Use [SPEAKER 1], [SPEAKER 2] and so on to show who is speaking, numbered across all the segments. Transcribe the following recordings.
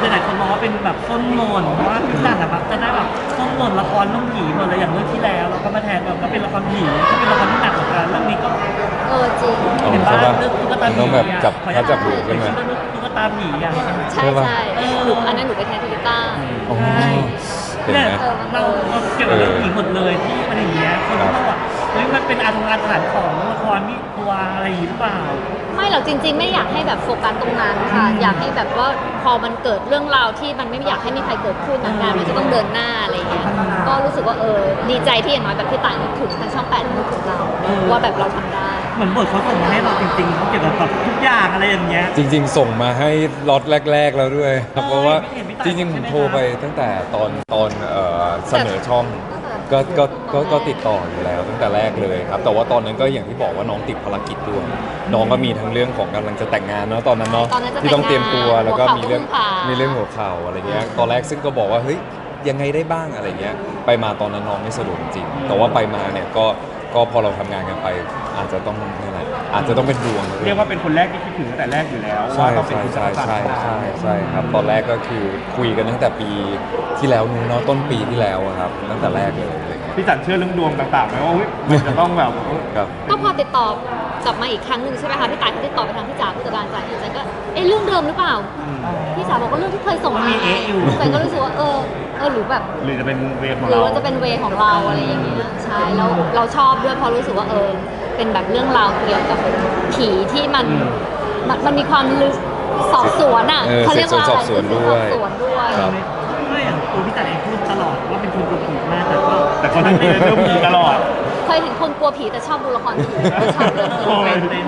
[SPEAKER 1] หลายคนมองว่าเป็นแบบต้นโหล่เพราะว่าพี่จันแบบจะได้แบบต้นโหล่ละครเรื่องผีหมดเลยอย่างเรื่องที่แล้วเราก็มาแทนแบบก็เป็นละครผีก็เป็นละครที่หนักเหมือนกันเรื่องนี้ก็
[SPEAKER 2] จริง
[SPEAKER 1] เห็นบ้างเรื่องตุ๊กตาผี
[SPEAKER 3] ต้องแบบจับพัดจับหูขึ้นมา
[SPEAKER 1] ตุ๊กตาผีอ่ะ
[SPEAKER 2] ใช่หนูอันนั้นหนูไปแทนพิต้า
[SPEAKER 1] เนี่ยเราเกี่ยวกับเรื่องผีหมดเลยที่มันอย่างเงี้ยคนก็บอกเฮ้ยมันเป็นอาถรรพ์ของละครมีตัวอะไรหรือเปล่า
[SPEAKER 2] ไม่หรอกจริงๆไม่อยากให้แบบโฟกัสตรงนั้นค่ะอยากให้แบบว่าพอมันเกิดเรื่องราวที่มันไม่อยากให้มีใครเกิดขึ้นงานมันจะต้องเดินหน้าอะไรอย่างเงี้ยก็รู้สึกว่าดีใจที่อย่างน้อยแบบพี่ต่ายนึกถึงทางช่อง8นึกถึงเราว่าแบบเราทำได้
[SPEAKER 1] เหมือนบทเขาส่งมาให้เราจริงๆเขาเกี่ยวกับแบบทุกอย่างอะไรอย่างเงี้ย
[SPEAKER 3] จริงๆส่งมาให้ล็อตแรกๆแล้วด้วยครับเพราะว่าจริงๆผมโทรไปตั้งแต่ตอนเสนอช่องก็ติดต่ออยู่แล้วตั้งแต่แรกเลยครับแต่ว่าตอนนั้นก็อย่างที่บอกว่าน้องติดภารกิจด้วยน้องก็มีทั้งเรื่องของกำลังจะแต่งงานเนาะตอนนั้นเนาะที่ต้องเตรียมตัวแล้วก็มีเรื่องหัวเข่าอะไรเงี้ยตอนแรกซึ่งก็บอกว่าเฮ้ยยังไงได้บ้างอะไรเงี้ยไปมาตอนนั้นน้องไม่สะดวกจริงแต่ว่าไปมาเนี่ยก็พอเราทำงานกันไปอาจจะต้องนี่แหละอาจจะต้องเป็นดวง
[SPEAKER 4] เรียกว่าเป็นคนแรกที่คิดถึงตั้งแต่แรกอยู่แล้ว
[SPEAKER 3] ใช่ครับตอนแรกก็คือคุยกันตั้งแต่ปีที่แล้วนู้นเนาะต้นปีที่แล้วครับตั้งแต่แรกเลย
[SPEAKER 4] พี่จันเชื่อเรื่องดวงต่างๆไหมว่ามันจะต้องแบบ
[SPEAKER 2] ก็พอติดต่อกลับมาอีกครั้งหนึ่งใช่ไหมคะพี่ต่ายเขาติดต่อไปทางพี่จ๋าผู้จัดการจ่ายจันก็เรื่องเดิมหรือเปล่าพี่จ๋าบอกว่าเรื่องที่เคยส่งมาจันก็รู้สึกว่าหรือแบบ
[SPEAKER 4] หรือจะเป็นเวของเรา
[SPEAKER 2] หรือว่าจะเป็นเวของเราอะไรอย่างเงี้ยใช่แล้วเราชอบด้วยเพราะรู้สึกว่าเป็นแบบเรื่องราวเกี่ยวกับผีที่มันมีความลึกสอบสวนอ่ะ
[SPEAKER 3] เขาเรียกว่าอะไรสอบสวนด้วย
[SPEAKER 1] ไม่อย่างตัวพี่จันเองพูดตลอดว่าเป็นคนกลัวผีมาก
[SPEAKER 4] แต่คนที่เรื่องผีตลอด
[SPEAKER 2] เคยเห็นคนกลัวผีแต่ชอบดูละครผีชอบเรื่องผี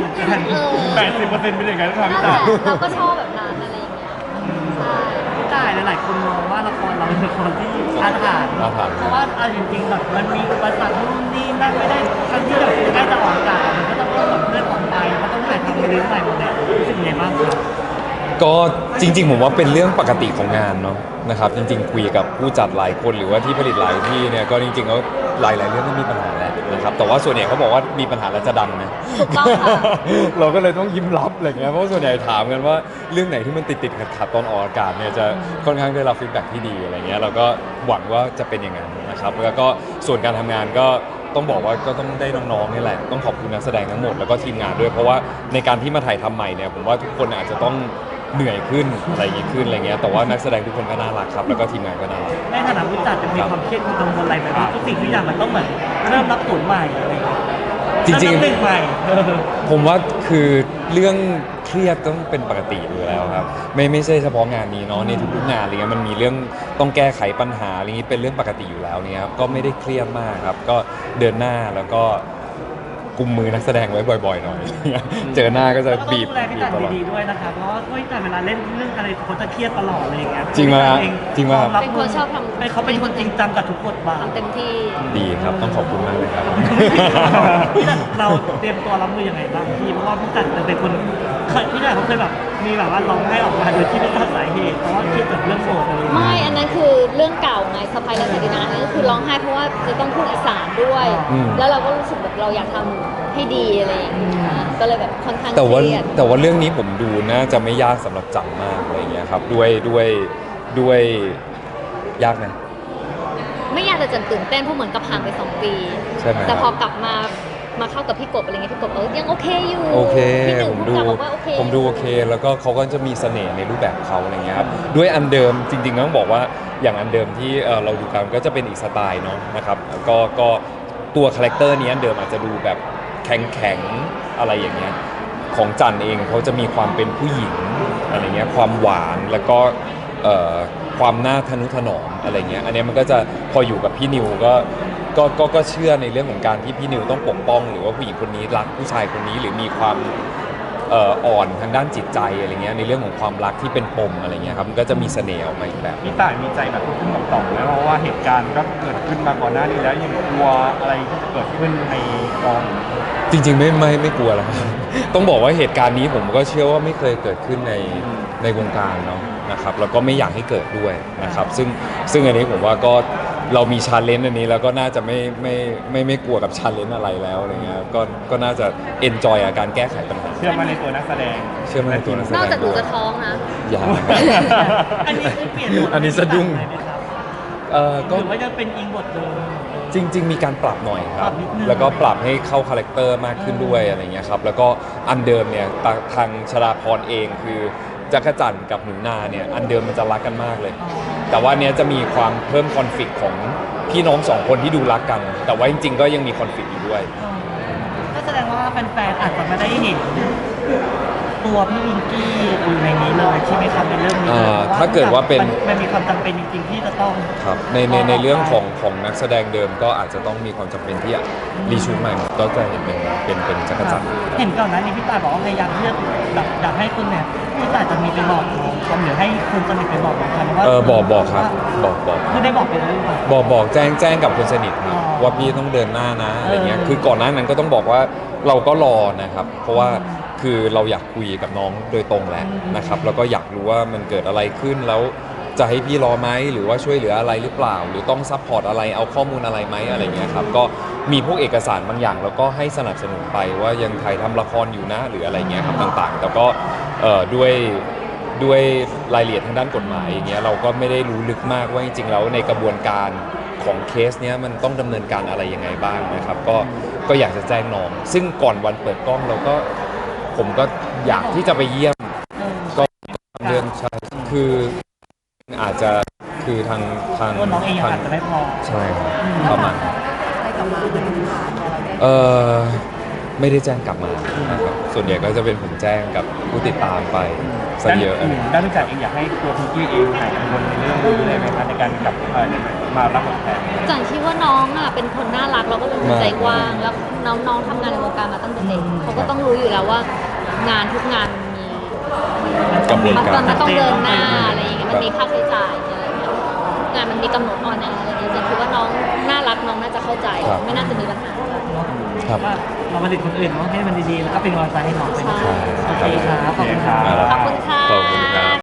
[SPEAKER 4] 80%เป็นอย่างนั้นครับพี่จัน
[SPEAKER 2] เราก็ชอบแบบนั้นอะไรอย่างเงี้ย
[SPEAKER 1] ใช่หลายคนมองว่าละครเราเป็นละครที่อาถรรพ์เพราะว่าเอาจริงๆแบบมันมีอุปสรรคนู่นนี่นั่นไม่ได้ทั้งที่แบบใกล้จะออกอากาศมันก็ต้องแบบเลื่อนออกไปก็ต้องถ่ายทำไปเรื่อยๆหมดเลยรู้สึกยังไงบ้างครับ
[SPEAKER 3] ก็จริงๆผมว่าเป็นเรื่องปกติของงานเนาะนะครับจริงๆคุยกับผู้จัดหลายคนหรือว่าที่ผลิตหลายที่เนี่ยก็จริงๆก็หลายๆเรื่องก็มีปัญหาแหละนะครับแต่ว่าส่วนใหญ่เขาบอกว่ามีปัญหาแล้วจะดังนะ
[SPEAKER 2] ถูกต้องค่ะ
[SPEAKER 3] เราก็เลยต้องยิ้มรับอะไรเงี้ยเพราะส่วนใหญ่ถามกันว่าเรื่องไหนที่มันติดขัดตอนออกอากาศเนี่ยจะค่อนข้างได้รับฟีดแบ็กที่ดีอะไรเงี้ยเราก็หวังว่าจะเป็นอย่างนั้นนะครับแล้วก็ส่วนการทำงานก็ต้องบอกว่าก็ต้องได้น้องๆนี่แหละต้องขอบคุณนักแสดงทั้งหมดแล้วก็ทีมงานด้วยเพราะว่าในการที่มาถ่ายทำใหม่เนี่ยผมว่าทุกคนอาจจะต้องเหนื่อยขึ้นอะไรอย่างงี้ขึ้นอะไรเงี้ยแต่ว่านักแสดงทุกคนก็น่ารักครับแล้วก็ทีมงานก็น่ารัก
[SPEAKER 1] ในฐานะผู้จัดจะมีความเครียดความกังวลอะไรแบบทุกสิ่งทุกอย่างมันต้องเหมือนเริ่มรับผลใหม่อะไรอย่างเงี้ย
[SPEAKER 3] จริง
[SPEAKER 1] ๆใหม่
[SPEAKER 3] ผมว่าคือเรื่องเครียดต้องเป็นปกติอยู่แล้วครับไม่ใช่เฉพาะงานนี้เนาะในทุกๆงานอะไรเงี้ยมันมีเรื่องต้องแก้ไขปัญหาอะไรนี้เป็นเรื่องปกติอยู่แล้วเนี่ยครับก็ไม่ได้เครียดมากครับก็เดินหน้าแล้วก็กุมมือนักแสดงไว้บ่อยๆหน่อยเจอหน้าก็จะบีบ
[SPEAKER 1] ตลอดดีด้วยนะครับเพราะว่าพี่จันเวลาเล่นเรื่องอะไรเขาจะเครียดตลอดอะไรอย่างเงี้ย
[SPEAKER 3] จริงไหม
[SPEAKER 2] เป็นคนชอบทำ
[SPEAKER 1] เขาเป็นคนจริงจังกับทุกบทบาท
[SPEAKER 2] เต็มที่
[SPEAKER 3] ดีครับต้องขอบคุณมากเลยครับ
[SPEAKER 1] พี่จันเราเตรียมตัวรับมือยังไงบ้างพี่เพราะว่าพี่จันเป็นคนพี่จันเขาเคยแบบมีแบบว่าร้องไห้ออกมาโดยที่ไม่ทราบสาเหตุเพราะว่าเครียดกับเรื่องโสดอะไร
[SPEAKER 2] ไม่อันนั้นคือเรื่องเก่าไงสะพายและสตินานั่นก็คือร้องไห้เพราะว่าจะต้องพูดอีสานด้วยแล้วเราก็รู้สึกแบบเราอยากทำให้ดีอะไรอย่างเงี้ยก็เลยแบบค่อนข้างเครียด
[SPEAKER 3] แต่ว่าเรื่องนี้ผมดูน่าจะไม่ยากสำหรับจังมากอะไรอย่างเงี้ยครับด้วยยากไหม
[SPEAKER 2] ไม่ยากแต่จันตื่นเต้นเพราะเหมือนกับห่างไป2 ปี
[SPEAKER 3] ใช่ไหม
[SPEAKER 2] แต่พอกลับมาเข้ากับพี่กบอะไรเงี้ยพี่กบยังโอเคอยู่
[SPEAKER 3] โอเค
[SPEAKER 2] ผมดู
[SPEAKER 3] โอเคแล้วก็เขาก็จะมีเสน่ห์ในรูปแบบเขาอะไรเงี้ยครับด้วยอันเดิมจริงๆต้องบอกว่าอย่างอันเดิมที่เราดูกันก็จะเป็นอีกสไตล์เนาะนะครับก็ตัวคาแรคเตอร์นี้อันเดิมอาจจะดูแบบแข็งอะไรอย่างเงี้ยของจันเองเขาจะมีความเป็นผู้หญิงอะไรเงี้ยความหวานแล้วก็ความน่าทนุถนอมอะไรเงี้ยอันนี้มันก็จะพออยู่กับพี่นิวก็เชื่อในเรื่องของการที่พี่นิวต้องปกป้องหรือว่าผู้หญิงคนนี้รักผู้ชายคนนี้หรือมีความอ่อนทางด้านจิตใจอะไรเงี้ยในเรื่องของความรักที่เป็นปมอะไรเงี้ยครับมันก็จะมีเสน่ห์ออกมาอีกแบบ
[SPEAKER 4] พี่ต่ายมีใจแบบขึ้นต่อมแล้วเพราะว่าเหตุการณ์ก็เกิดขึ้นมาก่อนหน้านี้แล้วยังกลัวอะไรที่จะเกิดขึ้นในกอง
[SPEAKER 3] จริงๆไม่กลัวแล้วต้องบอกว่าเหตุการณ์นี้ผมก็เชื่อว่าไม่เคยเกิดขึ้นในวงการเนาะนะครับแล้วก็ไม่อยากให้เกิดด้วยนะครับซึ่งอันนี้ผมว่าก็เรามีชาเลนจ์อันนี้แล้วก็น่าจะไม่กลัวกับชาเลนจ์อะไรแล้วอะไรเงี้ยก็น่าจะเอนจอยกับการแก้ไขปัญหา
[SPEAKER 4] เชื่อมั่นในตัวนักแสดง
[SPEAKER 3] เชื่อมั่นในตัวนักแสดง
[SPEAKER 2] นอกจากหนูจะท้องนะ
[SPEAKER 3] อย่า
[SPEAKER 1] อันนี้คือเปลี่ยนบท
[SPEAKER 3] อันนี้สะดุ้ง
[SPEAKER 1] เลยไหมครับ
[SPEAKER 3] ก็
[SPEAKER 1] หรือว่าจะเป็นอิงบทเดิม
[SPEAKER 3] จริง ๆ มีการปรับหน่อยค
[SPEAKER 1] ป
[SPEAKER 3] รั
[SPEAKER 1] รั
[SPEAKER 3] บบ
[SPEAKER 1] นิดนึง
[SPEAKER 3] แล้วก็ปรับให้เข้าคาแรคเตอร์มากขึ้นด้วยอะไรเงี้ยครับแล้วก็อันเดิมเนี่ยทางชลาพรเองคือจักรจันทร์กับหนูนาเนี่ยอันเดิมมันจะรักกันมากเลย แต่ว่าเนี้ยจะมีความเพิ่มคอนฟ lict ของพี่น้องสองคนที่ดูรักกัน แต่ว่าจริง ๆ ก็ยังมีคอนฟ lict อยู่ด้วย
[SPEAKER 1] ก็แสดงว่าแฟนๆอาจจะไม่ได้เห็นตัวพี่วิงกี้อยู่ในนี้เลยใช่ไหมครับในเรื่องนี้
[SPEAKER 3] ถ้าเกิดว่าเป็น
[SPEAKER 1] มันมีความจำเป็นจริงๆที่จะต้อง
[SPEAKER 3] ครับในเรื่องของนักแสดงเดิมก็อาจจะต้องมีความจำเป็นที่จะรีชูตใหม่ก็จะเห็นเป็นจักรจันทร์
[SPEAKER 1] เห็นก่อนหน้านี้พี่ตายบอกว่าพยายามเลือกแบบอยากให้คุณเนี่ยพี่ตายจะมีไปบอกน้องเขาหรือให้คุณสนิทไปบอกน้องเขาว่า
[SPEAKER 3] บอกครับบอก
[SPEAKER 1] คือได้บอกไปแล้วหรือเปล่า
[SPEAKER 3] บอกแจ้งกับคนสนิทครับ
[SPEAKER 1] อ๋อ
[SPEAKER 3] ว่าพี่ต้องเดินหน้านะอะไรเงี้ย
[SPEAKER 1] เออ
[SPEAKER 3] คือก่อนหน้านั้นก็ต้องบอกว่าเราก็รอนะครับ เพราะว่าคือเราอยากคุยกับน้องโดยตรงแหละนะครับแล้วก็อยากรู้ว่ามันเกิดอะไรขึ้นแล้วจะให้พี่รอไหมหรือว่าช่วยเหลืออะไรหรือเปล่า หรือต้องซัพพอร์ตอะไรเอาข้อมูลอะไรไหมอะไรเงี้ยครับก็มีพวกเอกสารบางอย่างแล้วก็ให้สนับสนุนไปว่ายังถ่ายทำละครอยู่นะหรืออะไรเงี้ยครับต่างๆ แต่ก็ด้วยรายละเอียดทางด้านกฎหมายอย่างเงี้ยเราก็ไม่ได้รู้ลึกมากว่าจริงๆแล้วในกระบวนการของเคสเนี้ยมันต้องดำเนินการอะไรยังไงบ้างนะครับก็อยากจะแจ้งน้องซึ่งก่อนวันเปิดกล้องเราก็ผมก็อยากที่จะไปเยี่ยมก็เรื่องใช่คืออาจจะคือทาง
[SPEAKER 1] ตัวน้องเองยังอาจจะไม่พอ
[SPEAKER 3] ใช่ครับประมาณนั้น
[SPEAKER 1] ได้กลับมา
[SPEAKER 3] ไม่ได้แจ้งกลับมานะครับส่วนใหญ่ก็จะเป็นผมแจ้งกับผู้ติดตามไปซะเยอะ
[SPEAKER 4] ด้านผู้จัดเองอยากให้ตัวพิงกี้เองหายกังวลในเรื่องนี้เลยไหมคะในการกลับมารับบทแทน
[SPEAKER 2] จันคิดว่าน้องอ่ะเป็นคนน่ารักแล้วก็เป็นคนใจกว้างแล้วน้องทำงานในวงการมาตั้งแต่เด็กเขาก็ต้องรู้อยู่แล้วว่างานทุกงานมี
[SPEAKER 3] กระบวนการ
[SPEAKER 2] มันต้องเดินหน้าอะไรอย่างเงี้ยมันมีค่าใช้จ่ายอะไรอย่างเงี้ยงานมันมีกำหนดออนแอร์อะไรอย่างเงี้ยจันคิดว่าน้องน่ารักน้องน่าจะเข้าใจ ไม่น่าจะมีปัญหา
[SPEAKER 3] ครับ
[SPEAKER 1] ว่าเรามาติดคนอื่นเนาะให้มันดีๆแล้วก็เป็นกำลังใจให้น้องไป
[SPEAKER 2] ใช่
[SPEAKER 1] โอเคครับขอบคุณครับ
[SPEAKER 2] ขอบคุณค่ะ
[SPEAKER 3] ขอบคุณครับ